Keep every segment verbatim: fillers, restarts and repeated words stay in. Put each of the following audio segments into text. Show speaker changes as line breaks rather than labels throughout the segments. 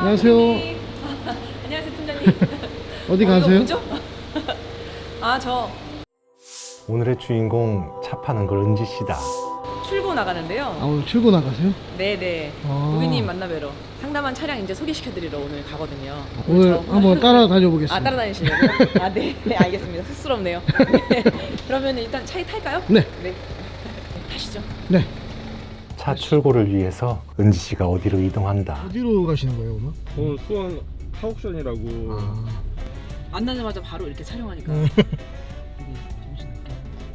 안녕하세요.
팀장님. 안녕하세요 팀장님.
어디
어,
가세요?
이거 뭐죠? 아, 저
오늘의 주인공 차 파는 걸 은지 씨다.
출고 나가는데요.
아, 오늘 출고 나가세요?
네네.
아.
고객님 만나뵈러 상담한 차량 이제 소개시켜드리러 오늘 가거든요.
오늘
저-
한번 따라다녀 보겠습니다.
아, 따라다니시려고요? 아, 네. 네, 알겠습니다. 쑥스럽네요. 네. 그러면 일단 차에 탈까요?
네.
네. 타시죠.
네.
차 출고를 위해서 은지 씨가 어디로 이동한다.
어디로 가시는 거예요, 오늘?
오늘 수원 하옥션이라고.
아.
만나자마자 바로 이렇게 촬영하니까.
음.
되게 정신없게.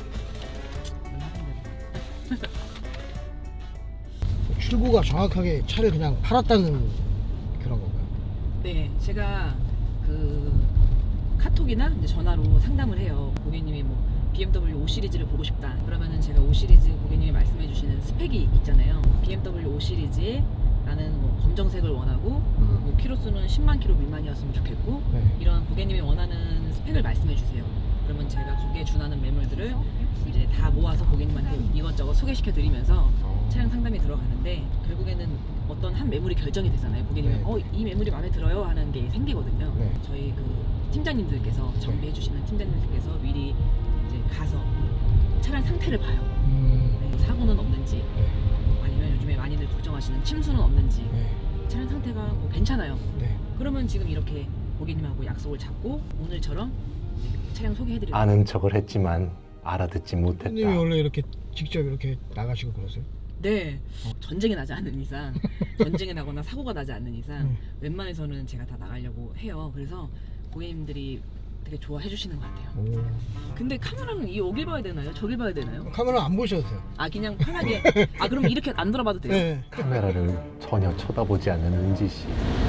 출고가 정확하게 차를 그냥 팔았다는 그런 건가요?
네, 제가 그 카톡이나 이제 전화로 상담을 해요. 고객님이 뭐 비엠더블유 오 시리즈를 보고 싶다. 그러면은 제가 오 시리즈 고객님이 말씀해 주시는 스펙이 있잖아요. 비엠더블유 오 시리즈에 나는 뭐 검정색을 원하고
음.
뭐 키로수는 십만 킬로 미만이었으면 좋겠고
네.
이런 고객님이 원하는 스펙을 말씀해 주세요. 그러면 제가 거기에 준하는 매물들을 이제 다 모아서 고객님한테 이것저것 소개시켜 드리면서
어.
차량 상담이 들어가는데 결국에는 어떤 한 매물이 결정이 되잖아요. 고객님이
네.
어, 이 매물이 마음에 들어요 하는 게 생기거든요.
네.
저희 그 팀장님들께서 정비해 주시는 팀장님들께서 미리 이제 가서 차량 상태를 봐요.
음.
네, 사고는 없는지
네.
아니면 요즘에 많이들 걱정하시는 침수는 없는지
네.
차량 상태가 뭐 괜찮아요.
네.
그러면 지금 이렇게 고객님하고 약속을 잡고 오늘처럼 차량 소개해드려요.
아는 척을 했지만 알아듣지 못했다.
손님이 원래 이렇게 직접 이렇게 나가시고 그러세요?
네. 전쟁이 나지 않는 이상, 전쟁이 나거나 사고가 나지 않는 이상
음.
웬만해서는 제가 다 나가려고 해요. 그래서 고객님들이 되게 좋아해 주시는 것 같아요.
오.
근데 카메라는 이 여길 봐야 되나요? 저길 봐야 되나요?
카메라 안 보셔도 돼요.
아, 그냥 편하게. 아, 그럼 이렇게 안 돌아봐도 돼요?
네.
카메라를 전혀 쳐다보지 않는 은지 씨.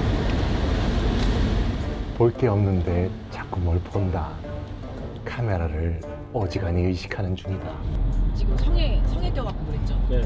볼 게 없는데 자꾸 뭘 본다. 카메라를 어지간히 의식하는 중이다.
지금 성에 성에 껴갖고 그랬죠?
네.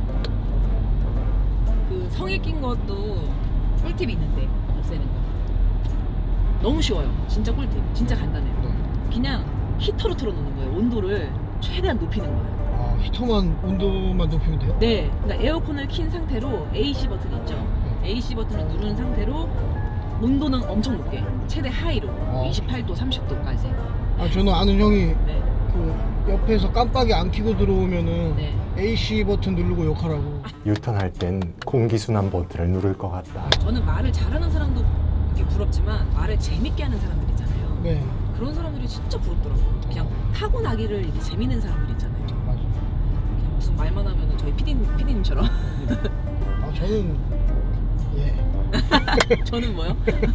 그 성에 낀 것도 꿀팁이 있는데 없애는 거. 너무 쉬워요. 진짜 꿀팁. 진짜 간단해요.
네.
그냥 히터로 틀어놓는 거예요. 온도를 최대한 높이는 거예요.
아, 히터만 온도만 높이면 돼요?
네, 그러니까 에어컨을 킨 상태로 에이씨 버튼 있죠.
네.
에이씨 버튼을 누른 상태로 온도는 엄청 높게 최대 하이로
어.
이십팔 도, 삼십 도까지.
아, 저는 아는 형이
네,
그 옆에서 깜빡이 안 켜고 들어오면은
네.
에이씨 버튼 누르고 욕하라고.
유턴할 땐 공기순환 버튼을 누를 것 같다.
저는 말을 잘하는 사람도 이렇게 부럽지만 말을 재밌게 하는 사람들 있잖아요.
네.
그런 사람들이 진짜 부럽더라고요. 그냥 타고나기를 이렇게 재밌는 사람들 있잖아요.
맞아요.
그냥 무슨 말만 하면은 저희 피디님, 피디님처럼.
아, 저는 예.
저는 뭐요?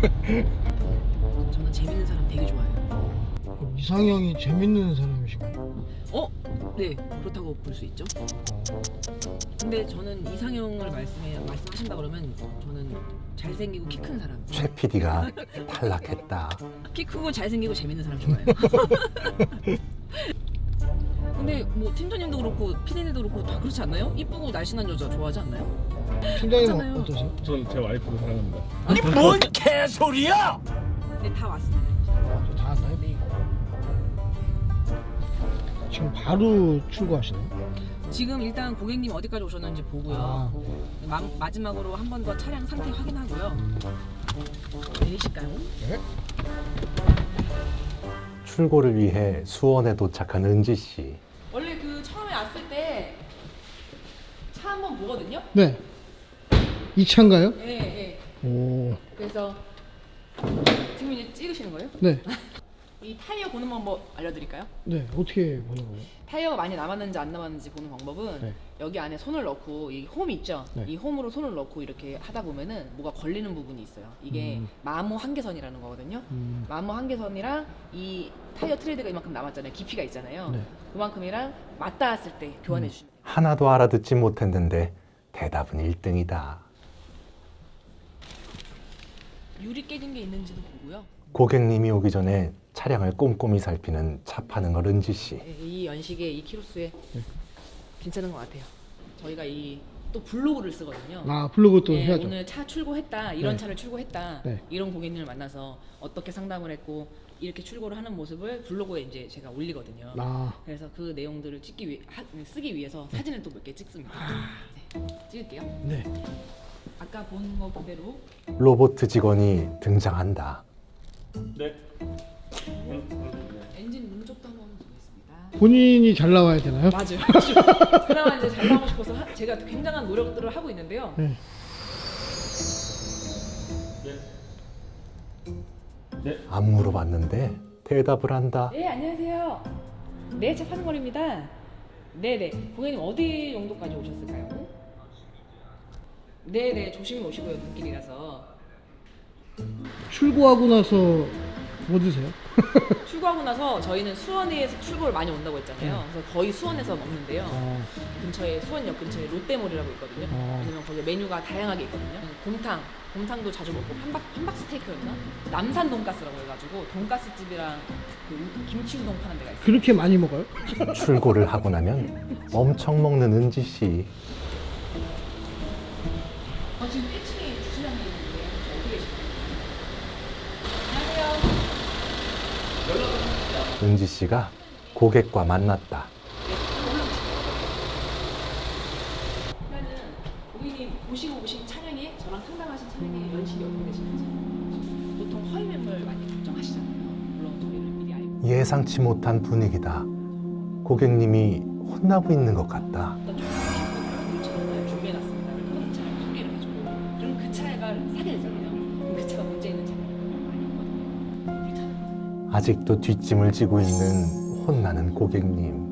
저는 재밌는 사람 되게 좋아해요.
그럼 이상형이 재밌는 사람이신가요?
어? 네, 그렇다고 볼 수 있죠. 근데 저는 이상형을 말씀해 말씀하신다 그러면 저는 잘생기고 키 큰 사람.
최 피디가 탈락했다.
키 크고 잘생기고 재밌는 사람 좋아해요. 근데 뭐 팀장님도 그렇고 피디님도 그렇고 다 그렇지 않나요? 이쁘고 날씬한 여자 좋아하지 않나요?
팀장님은
맞잖아요.
어떠세요?
전 제 와이프를 사랑합니다.
뭔 개소리야!
네, 다 왔습니다.
아, 저다 왔나요?
네.
지금 바로 출고하시나요?
지금 일단 고객님 어디까지 오셨는지 보고요.
아,
마, 마지막으로 한 번 더 차량 상태 확인하고요. 내리실까요?
네.
출고를 위해 수원에 도착한 은지 씨.
원래 그 처음에 왔을 때 차 한 번 보거든요.
네. 이 차인가요?
네, 네.
오.
그래서 지금 이제 찍으시는 거예요?
네.
이 타이어 보는 방법 알려드릴까요?
네. 어떻게 보는 거예요?
타이어가 많이 남았는지 안 남았는지 보는 방법은
네.
여기 안에 손을 넣고 이 홈 있죠?
네.
이 홈으로 손을 넣고 이렇게 하다 보면은 뭐가 걸리는 부분이 있어요. 이게
음.
마모 한계선이라는 거거든요.
음.
마모 한계선이랑 이 타이어 트레드가 이만큼 남았잖아요. 깊이가 있잖아요.
네.
그만큼이랑 맞닿았을 때 교환해
음.
주시면 돼요.
하나도 알아듣지 못했는데 대답은 일 등이다.
유리 깨진 게 있는지도 보고요.
고객님이 오기 전에 차량을 꼼꼼히 살피는 차 파는 걸 은지 씨.
네, 이 연식에 이 키로수에
네.
괜찮은 것 같아요. 저희가 이 또 블로그를 쓰거든요.
아, 블로그 또
네,
해야죠.
오늘 차 출고했다, 이런
네.
차를 출고했다,
네.
이런 고객님을 만나서 어떻게 상담을 했고 이렇게 출고를 하는 모습을 블로그에 이제 제가 올리거든요.
아,
그래서 그 내용들을 찍기 위, 하, 쓰기 위해서 사진을 또 몇 개 찍습니다. 네, 찍을게요.
네.
아까 본 거 그대로
로봇 직원이 등장한다.
네.
엔진 문쪽도 한번 보겠습니다.
본인이 잘 나와야 되나요?
맞아요. 그나마 이제 잘 나오고 싶어서 하, 제가 굉장한 노력들을 하고 있는데요.
네.
안 물어봤는데 대답을 한다.
네, 안녕하세요. 네, 차 파는 거리입니다. 네네. 고객님 어디 정도까지 오셨을까요? 네네, 조심히 오시고요. 눈길이라서.
출고하고 나서 뭐 드세요?
출고하고 나서 저희는 수원에서 출고를 많이 온다고 했잖아요. 그래서 거의 수원에서 먹는데요.
어,
근처에 수원역 근처에 롯데몰이라고 있거든요.
어.
왜냐면 거기 메뉴가 다양하게 있거든요. 곰탕, 곰탕도 자주 먹고 함박 함박 스테이크였나? 남산 돈가스라고 해가지고 돈가스 집이랑 그 김치 우동 파는 데가 있어요.
그렇게 많이 먹어요?
출고를 하고 나면 엄청 먹는 은지 씨.
어, 지금 일 층에 주차장에 있는데 어디 계실까요? 안녕하세요.
은지 씨가 고객과 만났다.
그러면은 고객님 보시고 오신 차량에 저랑 상담하신 차량에 연식이 어떻게 되시는지 보통 허위 매물 많이 걱정하시잖아요. 물론 저희를 미리 알고
예상치 못한 분위기다. 고객님이 혼나고 있는 것 같다.
어떤 좀 차량을 준비해놨습니다. 그런 차량 소개를 해주고 그럼 그 차가 사게 되잖아요. 그럼 그 차가 문제 있는 차량이 많이 있거든요. 우리 차는
아직도 뒷짐을 지고 있는 혼나는 고객님.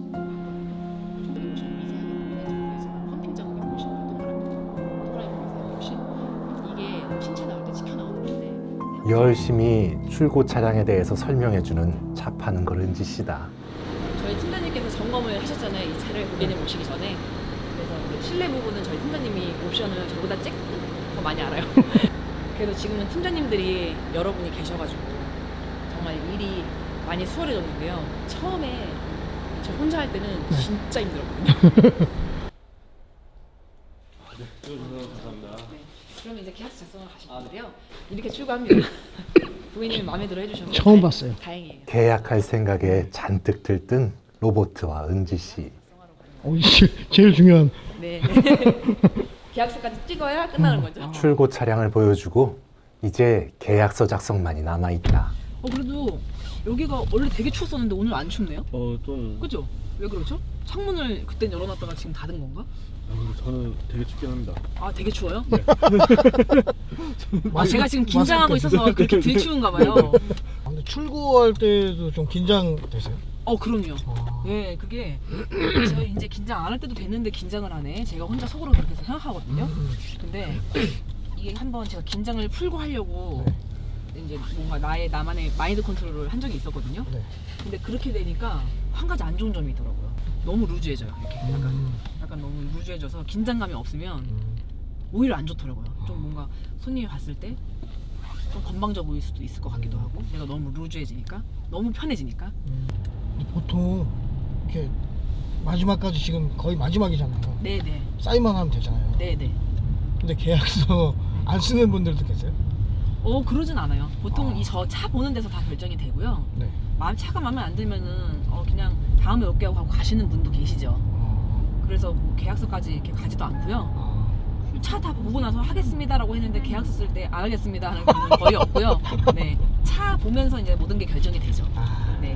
펌핑 작업에 보시면 동그라미 보세요. 혹시 이게 신차 나올 때 찍혀 나오는 건데
열심히 출고 차량에 대해서 설명해주는 차 파는 걸 은지 씨다.
저희 팀장님께서 점검을 하셨잖아요. 이 차를 고객님 오시기 전에. 그래서 그 실내 부분은 저희 팀장님이 옵션을 저보다 더 많이 알아요. 그래도 지금은 팀장님들이 여러분이 계셔가지고 정말 일이 많이 수월해졌는데요. 처음에 저 혼자 할 때는 진짜 힘들었거든요.
감사합니다.
네. 그러면 이제 계약서 작성을 가시면 되는데요. 이렇게 출고합니다. 고객님이 마음에 들어 해주셔서
처음
다-
봤어요.
다행이에요.
계약할 생각에 잔뜩 들뜬 로봇과 은지 씨.
어, 이게 제일 중요한.
네. 계약서까지 찍어야 끝나는 거죠.
출고 차량을 보여주고 이제 계약서 작성만이 남아있다.
어 그래도 여기가 원래 되게 추웠었는데 오늘 안 춥네요?
어, 좀.
그죠? 왜 그러죠? 창문을 그땐 열어놨다가 지금 닫은 건가?
아, 근데 저는 되게 춥긴 합니다.
아 되게 추워요?
네.
아 제가 지금 긴장하고 있어서 그렇게 들추운가 봐요.
아, 근데 출고할 때도 좀 긴장되세요?
어 그럼요.
아,
예 그게 제가 이제 긴장 안 할 때도 됐는데 긴장을 하네. 제가 혼자 속으로 그렇게 생각하거든요. 근데 이게 한번 제가 긴장을 풀고 하려고 이제 뭔가 나의 나만의 마인드 컨트롤을 한 적이 있었거든요.
네.
근데 그렇게 되니까 한 가지 안 좋은 점이 있더라고요. 너무 루즈해져요. 이렇게 약간
음,
약간 너무 루즈해져서 긴장감이 없으면
음.
오히려 안 좋더라고요. 좀 뭔가 손님이 봤을 때 좀 건방져 보일 수도 있을 것 같기도 하고 내가 너무 루즈해지니까 너무 편해지니까
음. 근데 보통 이렇게 마지막까지 지금 거의 마지막이잖아요.
네네
사인만 하면 되잖아요.
네네
근데 계약서 안 쓰는 분들도 계세요?
어 그러진 않아요. 보통
아.
이 저 차 보는 데서 다 결정이 되고요.
네.
마음 차가 마음에 안 들면은 어 그냥 다음에 올게요 하고 가시는 분도 계시죠.
아,
그래서 뭐 계약서까지 이렇게 가지도 않고요.
아,
차 다 보고 나서 하겠습니다라고 했는데 계약서 쓸 때 안 하겠습니다 하는 분은 거의 없고요. 네, 차 보면서 이제 모든 게 결정이 되죠.
아.
네.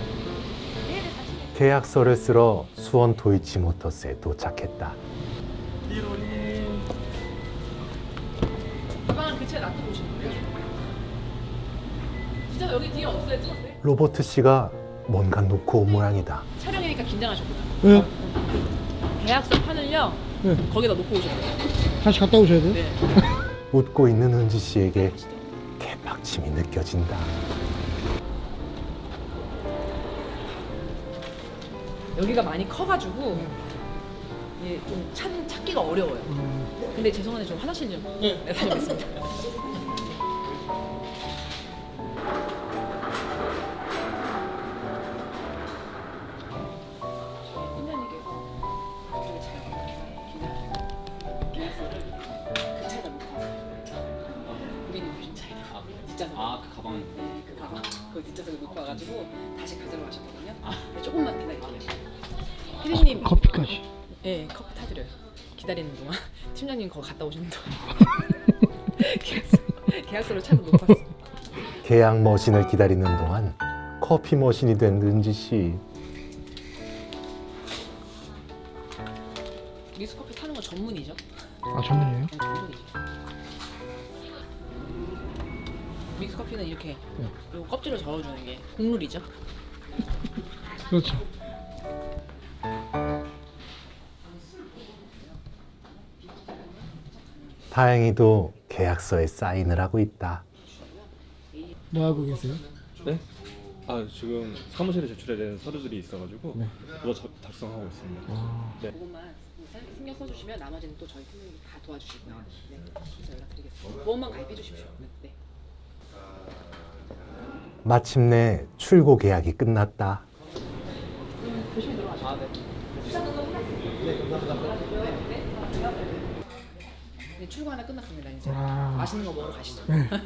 계약서를 쓰러 수원 도이치모터스에 도착했다.
가방을 그 차에 놔두고 오시는 거예요? 진짜 여기 뒤에 없어요, 찍었는데?
로버트 씨가 뭔가 놓고 온 모양이다.
촬영이니까 긴장하셨구나.
네.
계약서 판을요,
네.
거기다 놓고 오셔야 돼요.
다시 갔다 오셔야 돼요?
네.
웃고 있는 은지 씨에게 개박침이 느껴진다.
여기가 많이 커가지고 이게 좀 찾, 찾기가 어려워요.
음.
근데 죄송한데 좀 화장실 좀 네. 다녀오겠습니다. 팀장님께서 되게 잘 기다리고 계약서를 그 차에다 놓고 왔어요. 고객님 오신 차에다. 아, 뒷좌석.
아, 그 가방.
네, 그 가방. 그 뒷좌석에 놓고 와가지고 다시 가지러 가셨거든요. 조금만 기다릴게요. 피디님.
커피까지.
네, 커피 타드려요. 기다리는 동안 팀장님 거기 갔다 오시는 동안 계약서, 계약서를 찾아 못 봤어.
계약 머신을 기다리는 동안 커피 머신이 된 은지 씨.
믹스커피 타는 거 전문이죠?
아 전문이에요?
네, 전문이죠. 믹스커피는 이렇게 요 껍질을 저어주는 게 국룰이죠.
그렇죠.
다행히도 계약서에 사인을 하고 있다.
뭐 하고 계세요?
네? 아 지금 사무실에 제출해야 되는 서류들이 있어가지고
네.
그거 작- 작성하고 있습니다.
아,
네.
그것만 신경 써주시면 나머지는 또 저희 팀장님이 다 도와주실 거예요. 네, 그래서 연락드리겠습니다. 보험만 가입해 주십시오. 네.
마침내 출고 계약이 끝났다.
조심히 들어가시죠. 아, 네. 네, 출고 하나 끝났습니다. 이제
아.
맛있는 거 먹으러 가시죠.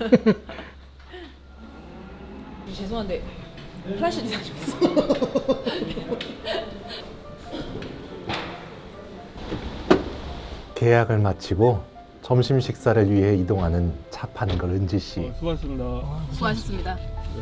죄송한데 플라시도 사주겠어요.
계약을 마치고 점심 식사를 위해 이동하는 차 파는 걸 은지 씨.
어, 수고하셨습니다.
아,
수고하셨습니다.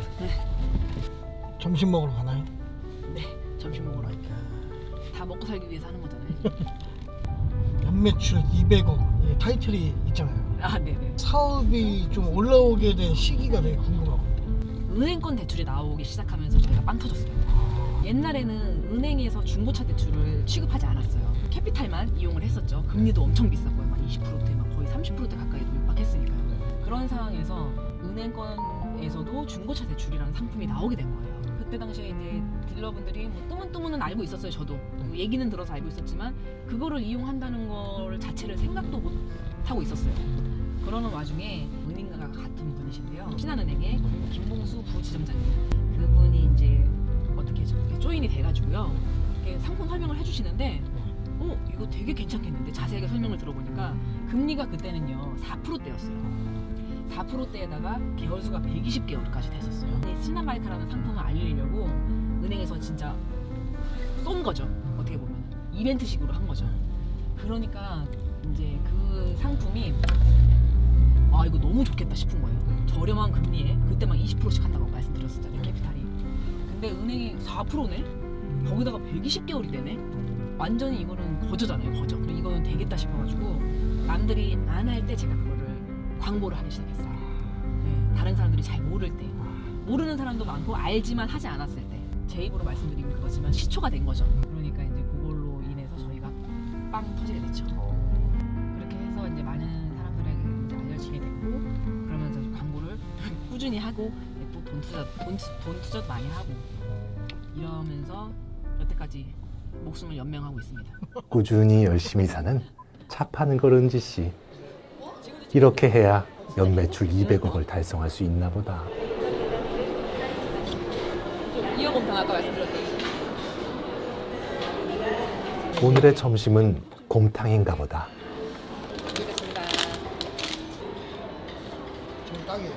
점심 먹으러 가나요?
네, 점심 먹으러 다 먹고 살기 위해서 하는 거잖아요.
연매출 이백억 예, 타이틀이 있잖아요.
아, 네네.
사업이 좀 올라오게 된 시기가 되게 궁금하고.
은행권 대출이 나오기 시작하면서 저희가 빵 터졌어요. 옛날에는 은행에서 중고차 대출을 취급하지 않았어요. 캐피탈만 이용을 했었죠. 금리도 엄청 비쌌고요. 막 이십 퍼센트대 막 거의 삼십 퍼센트 가까이도 육박했으니까요. 그런 상황에서 은행권에서도 중고차 대출이라는 상품이 나오게 된 거예요. 그때 당시에 이제 딜러분들이 뭐 뜨문뜨문은 알고 있었어요. 저도 뭐 얘기는 들어서 알고 있었지만 그거를 이용한다는 걸 자체를 생각도 못 하고 있었어요. 그러는 와중에 은행가가 같은 분이신데요. 신한은행의 김봉수 부지점장님, 그분이 이제 어떻게 저렇게 조인이 돼가지고요. 이렇게 상품 설명을 해주시는데, 어 이거 되게 괜찮겠는데 자세하게 설명을 들어보니까 금리가 그때는요 사 퍼센트대였어요. 사 퍼센트대에다가 개월수가 백이십 개월까지 됐었어요. 이 신한바이카라는 상품을 알리려고 은행에서 진짜 쏜 거죠. 어떻게 보면 이벤트식으로 한 거죠. 그러니까 이제 그 상품이 아 이거 너무 좋겠다 싶은 거예요. 저렴한 금리에 그때 막 이십 퍼센트씩 한다고 말씀드렸었잖아요. 캐피탈이. 근데 은행이 사 퍼센트네? 거기다가 백이십 개월이 되네? 완전히 이거는 거저잖아요. 거저. 그리고 이거는 되겠다 싶어가지고 남들이 안 할 때 제가 그거를 광고를 하기 시작했어요. 네, 다른 사람들이 잘 모를 때, 모르는 사람도 많고 알지만 하지 않았을 때, 제 입으로 말씀드리면 그거지만 시초가 된 거죠. 그러니까 이제 그걸로 인해서 저희가 빵 터지게 됐죠. 그렇게 해서 이제 많은 사람들에게 이제 알려지게 됐고, 그러면서 광고를 꾸준히 하고 또 돈 투자, 돈, 투- 돈 투자도 많이 하고 이러면서 여태까지 목숨을 연명하고 있습니다.
꾸준히 열심히 사는 차 파는 걸 은지 씨. 이렇게 해야 연매출 이백억을 달성할 수 있나 보다.
이억 곰탕 아까 말씀드렸던
오늘의 점심은 곰탕인가 보다.
드리겠습니다.
좀 딱이에요.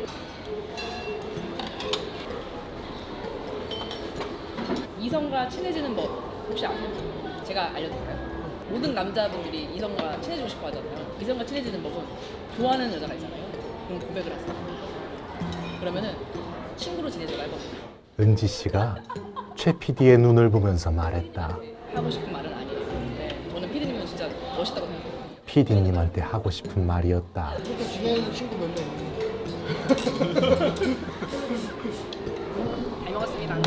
이성과 친해지는 법 혹시 아세요? 제가 알려드릴까요? 모든 남자분들이 이성과 친해지고 싶어 하잖아요. 이성과 친해지는 법은 좋아하는 여자가 있잖아요. 그럼 고백을 하세요. 그러면은 친구로 지내줘가 해봅니다.
은지 씨가 최 피디의 눈을 보면서 말했다.
하고 싶은 말은 아니에요. 근데 저는 피디님은 진짜 멋있다고 생각해요.
피디님한테 하고 싶은 말이었다.
그렇게 지내는 친구 몇 명 있는데.
잘 먹었습니다.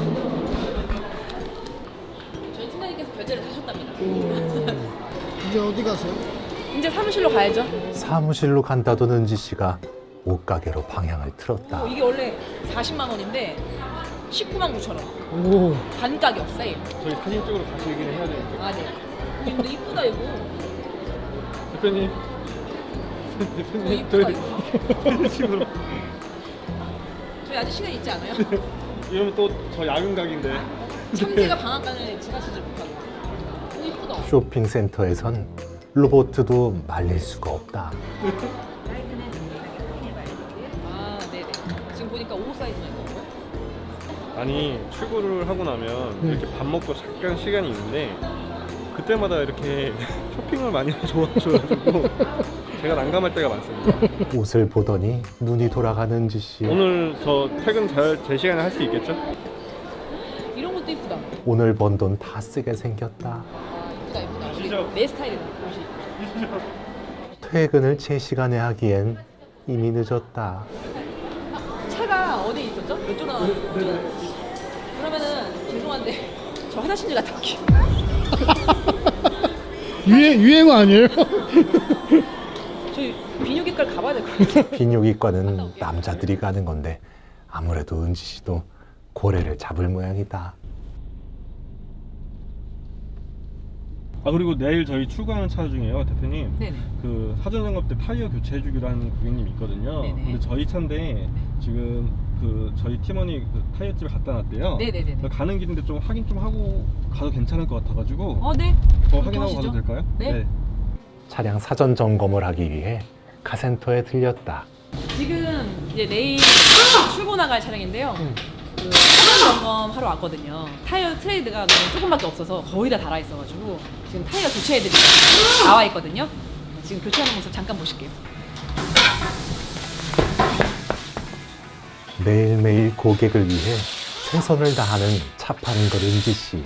저희 팀장님께서 결제를 하셨답니다.
이제 어디 가세요?
이제 사무실로 가야죠.
사무실로 간다던 은지 씨가 옷가게로 방향을 틀었다.
어, 이게 원래 사십만 원인데 십구만 구천 원.
오,
반 가격 세일.
저희 사진 찍으러 가시긴 해야 되니까.
아 네. 근데 이쁘다 이거.
대표님.
이거
대표님
이쁘다
저희
이거.
집으로.
저희 아직 시간 있지 않아요?
이러면 또 저 야근 각인데.
참새가 방앗간에 제가 진짜 못하고. 이거 이쁘다.
쇼핑센터에선 로봇도 말릴 수가 없다.
아 네네. 지금 보니까 오 사이즈만 있는 거.
아니 출근을 하고 나면
네.
이렇게 밥 먹고 잠깐 시간이 있는데 그때마다 이렇게 쇼핑을 많이 좋아하셔가지고 제가 난감할 때가 많습니다.
옷을 보더니 눈이 돌아가는 은지 씨.
오늘 저 퇴근 잘 제 시간에 할 수 있겠죠?
이런 것도 이쁘다.
오늘 번 돈 다 쓰게 생겼다.
이쁘다 이쁘다. 우리 내 스타일이다. 옷이.
퇴근을 제 시간에 하기엔 이미 늦었다.
차가 어디 있었죠? 이쪽 나와. 그러면은 죄송한데 저 화장실 좀 갔다 올게요.
유행, 유행어 아니에요?
저희 비뇨기과 가봐야 될 것 같아요.
비뇨기과는 남자들이 가는 건데 아무래도 은지 씨도 고래를 잡을 모양이다.
아 그리고 내일 저희 출고하는 차 중에요, 대표님.
네네.
그 사전 점검 때 타이어 교체해주기로 하는 고객님이 있거든요.
네네.
근데 저희 차인데 지금 그 저희 팀원이 그 타이어 집에 갖다 놨대요.
네네네.
그래서 가는 길인데 좀 확인 좀 하고 가도 괜찮을 것 같아가지고
어 네.
더
그렇게
확인하고
하시죠.
가도 될까요?
네.
차량 사전 점검을 하기 위해 카센터에 들렸다.
지금 이제 내일 출고 나갈 차량인데요. 그 사전 점검 하러 왔거든요. 타이어 트레이드가 너무 조금밖에 없어서 거의 다 달아 있어가지고 지금 타이어 교체해드리고 나와 있거든요. 지금 교체하는 모습 잠깐 보실게요.
매일매일 고객을 위해 최선을 다하는 차 파는 걸 은지 씨.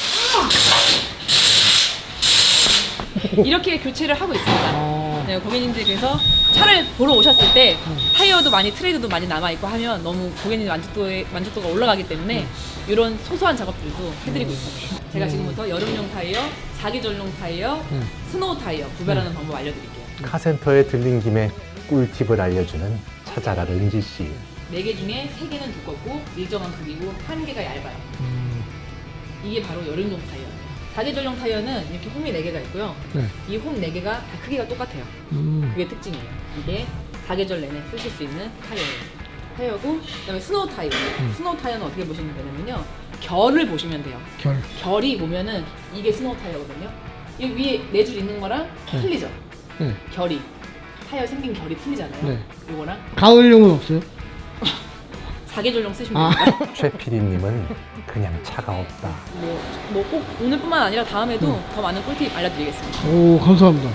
이렇게 교체를 하고 있습니다. 네, 고객님들께서 차를 보러 오셨을 때 타이어도 많이 트레이드도 많이 남아 있고 하면 너무 고객님 만족도에 만족도가 올라가기 때문에 이런 소소한 작업들도 해드리고 있습니다. 제가 지금부터 여름용 타이어, 사계절용 타이어, 스노우 타이어 구별하는 방법 알려드릴게요.
카센터에 들린 김에 꿀팁을 알려주는 차잘할 은지 씨.
네 개 중에 세 개는 두껍고 일정한 크기고 한 개가 얇아요. 이게 바로 여름용 타이어예요. 사계절용 타이어는 이렇게 홈이 네 개가 있고요.
네.
이 홈 네 개가 다 크기가 똑같아요.
음.
그게 특징이에요. 이게 사계절 내내 쓰실 수 있는 타이어예요. 타이어고 그다음에 스노우 타이어. 스노우 타이어는 어떻게 보시면 되냐면요. 결을 보시면 돼요.
결.
결이 보면은 이게 스노우 타이어거든요. 이 위에 네 줄 있는 거랑
네.
틀리죠.
네.
결이 타이어 생긴 결이 틀리잖아요.
네.
요거랑
가을용은 없어요?
사계절용 쓰시면
아.
됩니다.
최 피디님은 그냥 차가 없다.
뭐 꼭 오늘뿐만 아니라 다음에도 더 많은 꿀팁 알려드리겠습니다.
오, 감사합니다.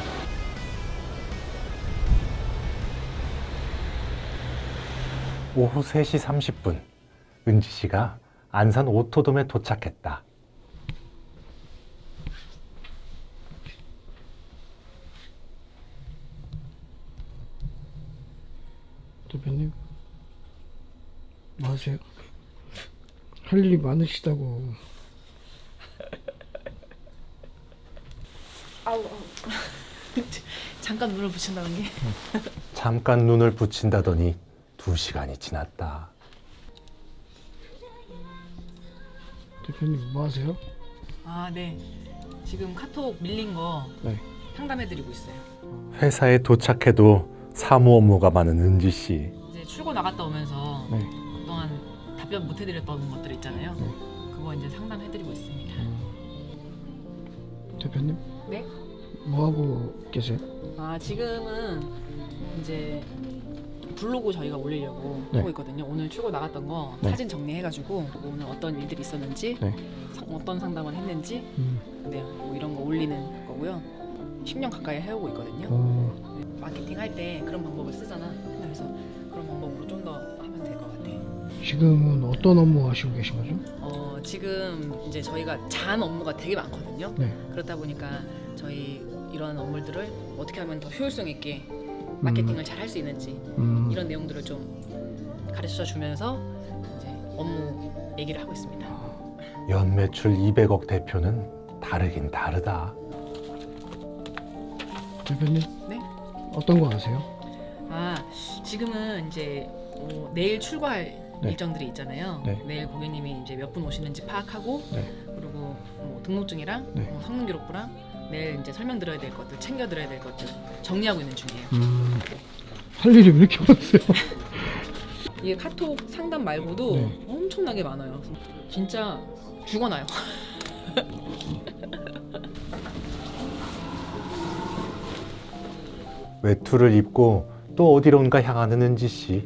오후 세 시 삼십 분 은지 씨가 안산 오토돔에 도착했다.
대표님, 뭐 하세요? 할 일이 많으시다고.
아우, 아우. 잠깐 눈을 붙인다는 게.
잠깐 눈을 붙인다더니 두 시간이 지났다.
대표님, 뭐 하세요?
아, 네. 지금 카톡 밀린 거
네.
상담해드리고 있어요.
회사에 도착해도 사무 업무가 많은 은지 씨.
이제 출고 나갔다 오면서
네.
그동안 답변 못 해드렸던 것들 있잖아요.
네.
그거 이제 상담해드리고 있습니다.
대표님,
네?
뭐 하고 계세요?
아, 지금은 이제 블로그 저희가 올리려고
네.
하고 있거든요. 오늘 출고 나갔던 거
네.
사진 정리해가지고 오늘 어떤 일들이 있었는지,
네.
상- 어떤 상담을 했는지,
음.
네, 뭐 이런 거 올리는 거고요. 십 년 가까이 해오고 있거든요.
어,
네, 마케팅 할 때 그런 방법을 쓰잖아. 그래서 그런 방법으로 좀 더 하면 될 것 같아요.
지금은 어떤 업무 하시고 계신 거죠?
어, 지금 이제 저희가 잔 업무가 되게 많거든요.
네.
그렇다 보니까 저희 이런 업무들을 어떻게 하면 더 효율성 있게 마케팅을 잘 할 수 있는지
음.
이런 내용들을 좀 가르쳐 주면서 이제 업무 얘기를 하고 있습니다.
연매출 이백억 대표는 다르긴 다르다.
대표님,
네?
어떤 거 아세요?
아, 지금은 이제 어, 내일 출고할
네.
일정들이 있잖아요.
네.
내일 고객님이 이제 몇 분 오시는지 파악하고
네.
그리고 뭐 등록증이랑
네.
뭐 성능 기록부랑 내일 이제 설명드려야 될 것들, 챙겨드려야 될 것들 정리하고 있는 중이에요.
음. 할 일이 왜 이렇게 많으세요?
이게 카톡 상담 말고도
네.
엄청나게 많아요. 진짜 죽어나요.
외투를 입고 또 어디론가 향하는 은지 씨.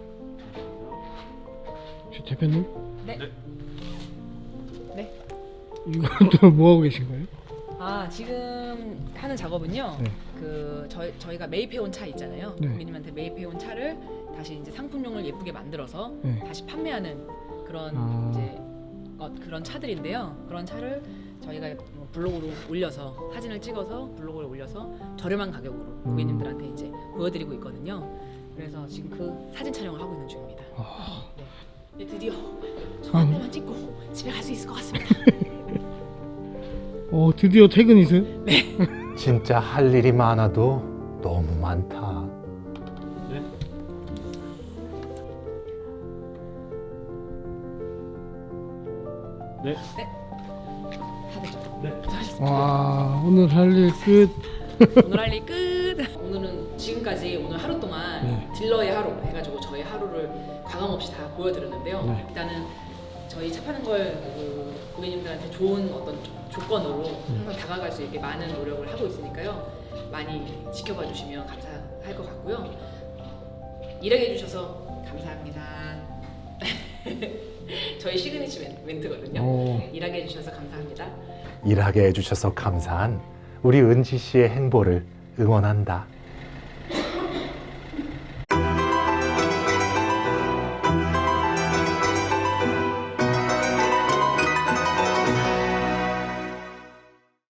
저 대표님?
네. 네.
이건 또 뭐 하고 계신 거예요?
아 지금 하는 작업은요.
네.
그 저희 저희가 매입해온 차 있잖아요.
네.
고객님한테 매입해온 차를 다시 이제 상품용을 예쁘게 만들어서
네.
다시 판매하는 그런
아.
이제 어, 그런 차들인데요. 그런 차를 저희가 뭐 블로그로 올려서 사진을 찍어서 블로그에 올려서 저렴한 가격으로
음.
고객님들한테 이제 보여드리고 있거든요. 그래서 지금 그 사진 촬영을 하고 있는 중입니다.
아,
네. 네, 드디어 손 한 대만 찍고 집에 갈 수 있을 것 같습니다.
어 드디어 퇴근이세요?
진짜 할 일이 많아도 너무 많다.
네.
다들
네.
수고하셨습니다.
와 오늘 할 일 끝.
오늘 할 일 끝. 오늘은 지금까지 오늘 하루 동안
네.
딜러의 하루 해가지고 저희 하루를 과감 없이 다 보여드렸는데요.
네.
일단은 저희 차 파는 걸그 고객님들한테 좋은 어떤 조- 조건으로 항상 다가갈 수 있게 많은 노력을 하고 있으니까요. 많이 지켜봐 주시면 감사할 것 같고요. 일하게 해주셔서 감사합니다. 저희 시그니처 멘- 멘트거든요.
오.
일하게 해주셔서 감사합니다.
일하게 해주셔서 감사한 우리 은지 씨의 행보를 응원한다.